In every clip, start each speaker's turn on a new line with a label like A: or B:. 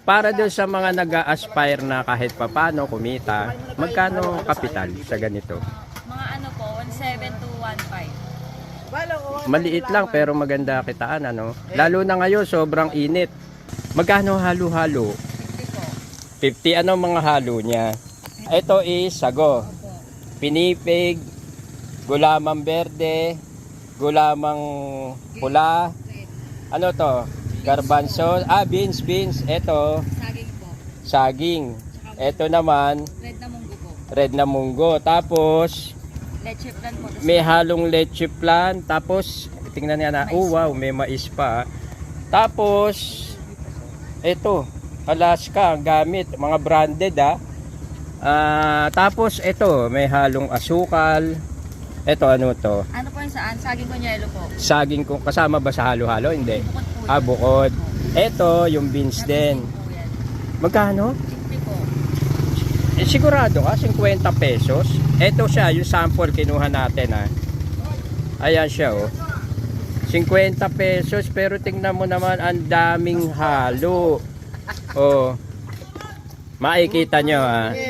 A: Para doon sa mga nag-aspire na kahit papano kumita, magkano kapital sa ganito?
B: Mga ano po, 1.7 to 1.5.
A: Maliit lang pero maganda kitaan, ano? Lalo na ngayon, sobrang init. Magkano halo-halo?
B: 50 po.
A: 50, ano mga halo niya? Ito is sago, pinipig, gulamang berde, gulamang pula, ano to? Garbanzo, beans. Ito,
B: Saging po.
A: saging. Ito naman,
B: Red na munggo po.
A: red na munggo. Tapos,
B: Leche plan po.
A: may halong leche plan. Tapos, tingnan niya na, oh wow, may mais pa. Tapos, ito, Alaska, ang gamit, mga branded tapos, ito, may halong asukal. Ito, ano to?
B: Ano po yung saan? Saging konyelo po.
A: Saging kung kasama ba sa halo-halo? Hindi.
B: Bukod po yan.
A: Bukod. Ito, yung beans din.
B: Po yan.
A: Magkano?
B: 50 po.
A: Sigurado ka, 50 pesos. Ito siya, yung sample kinuha natin Ayan siya 50 pesos, pero tingnan mo naman, ang daming halo. Makikita nyo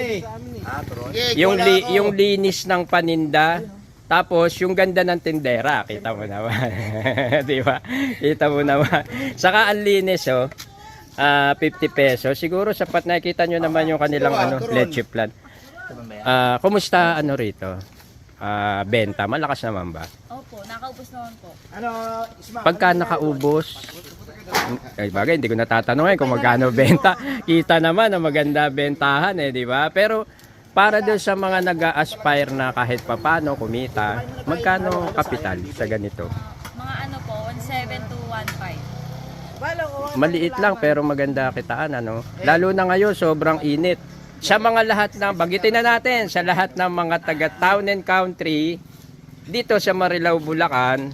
A: yung linis ng paninda. Tapos yung ganda ng tindera, kita mo naman. Di ba? Kita mo naman. Saka ang linis 50 pesos. Siguro sapat, nakikita nyo naman yung kanilang leche plan. Kumusta rito? Benta, malakas naman ba?
B: Opo, nakaubos naman po.
A: Pagka nakaubos, ay bagay, hindi ko natatanungin kung magkano benta. Kita naman na maganda bentahan di ba? Pero para doon sa mga nag-aspire na kahit papano kumita, magkano kapital sa ganito?
B: Mga ano po, 1.7 to 1.5.
A: Maliit lang pero maganda kitaan, ano? Lalo na ngayon, sobrang init. Sa mga lahat ng, bagitin na natin, sa lahat ng mga taga town and country, dito sa Marilao, Bulacan,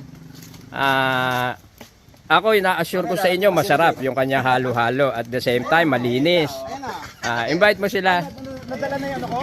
A: ako ina-assure ko sa inyo, masarap yung kanya halo-halo. At the same time, malinis. Invite mo sila.
C: Nadala na yan ako.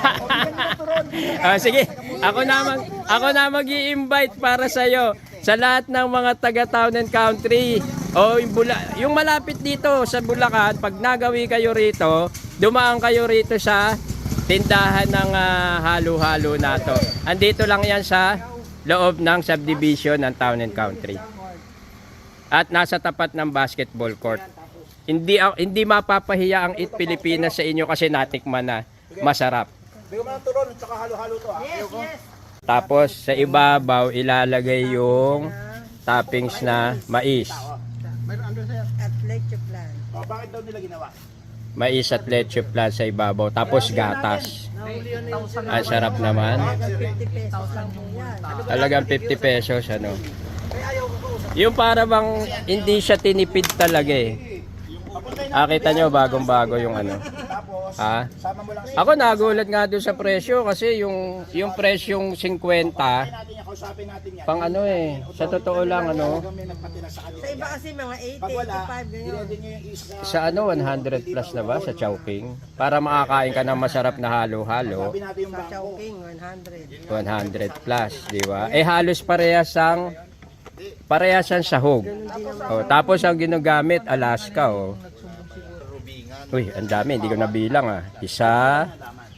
A: Sige, ako na mag-i-invite para sa iyo sa lahat ng mga taga town and country. Yung malapit dito sa Bulacan, pag nagawi kayo rito, dumaan kayo rito sa tindahan ng halo-halo na to. Andito lang yan sa loob ng subdivision ng town and country. At nasa tapat ng basketball court. Hindi mapapahiya ang Eat Pilipinas sa inyo kasi natikman na masarap.
C: Bigyan mo ng turon, tsaka halo-halo to
B: Yes.
A: Tapos sa ibabaw ilalagay yung toppings na mais.
D: At leche plan.
C: Bakit daw nila ginawa?
A: Mais at leche plan sa ibabaw. Tapos gatas. Ang sarap naman.
D: 50 pesos lang po yan.
A: Talagang 50 pesos Yung para bang hindi siya tinipid talaga kita nyo bagong-bago yung
C: Sama mo lang
A: Ako nagulat nga doon sa presyo kasi yung presyong 50
C: kausapin natin yan.
A: pang sa totoo lang
C: May nagpatira sa kanila.
D: Sa iba kasi mga 80,
C: Pag wala,
D: 85 ganyan.
C: dinedin nyo yung isa.
A: sa 100 plus na ba sa Chowking para makakain ka ng masarap na halo-halo.
C: Sabi natin yung
D: Sa
C: bangko.
D: Chowking, 100.
A: 100 plus, di ba? Halos parehas ang sahog. Tapos ang ginagamit Alaska Uy, ang dami, hindi ko nabilang Isa,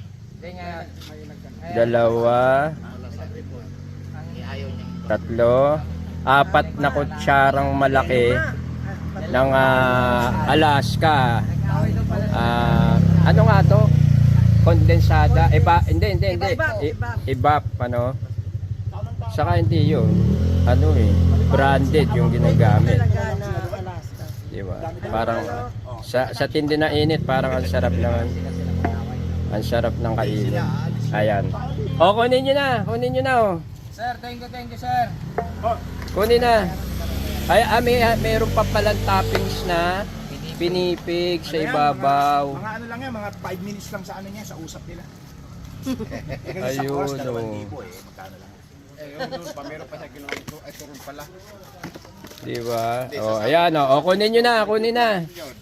A: dalawa, tatlo, 4 na kutsarang malaki ng Alaska. Ano nga to? Kondensada. Hindi. Ibap, Saka hindi yun. Branded yung ginagamit.
D: Talaga na Alaska.
A: Diba? Parang sa tindi na init, parang ang sarap naman. Ang sarap ng kainin. Ayan. Kunin nyo na.
C: Sir, thank you sir.
A: Kunin na. Meron pa palang toppings na pinipig sa ibabaw.
C: Mga ano lang yan, mga 5 minutes lang sa niya, sa usap nila.
A: Ayun,
C: Magkano lang.
E: Meron pa siya ginawa ito, ay turun pala.
A: Diba? Ayan kunin nyo na.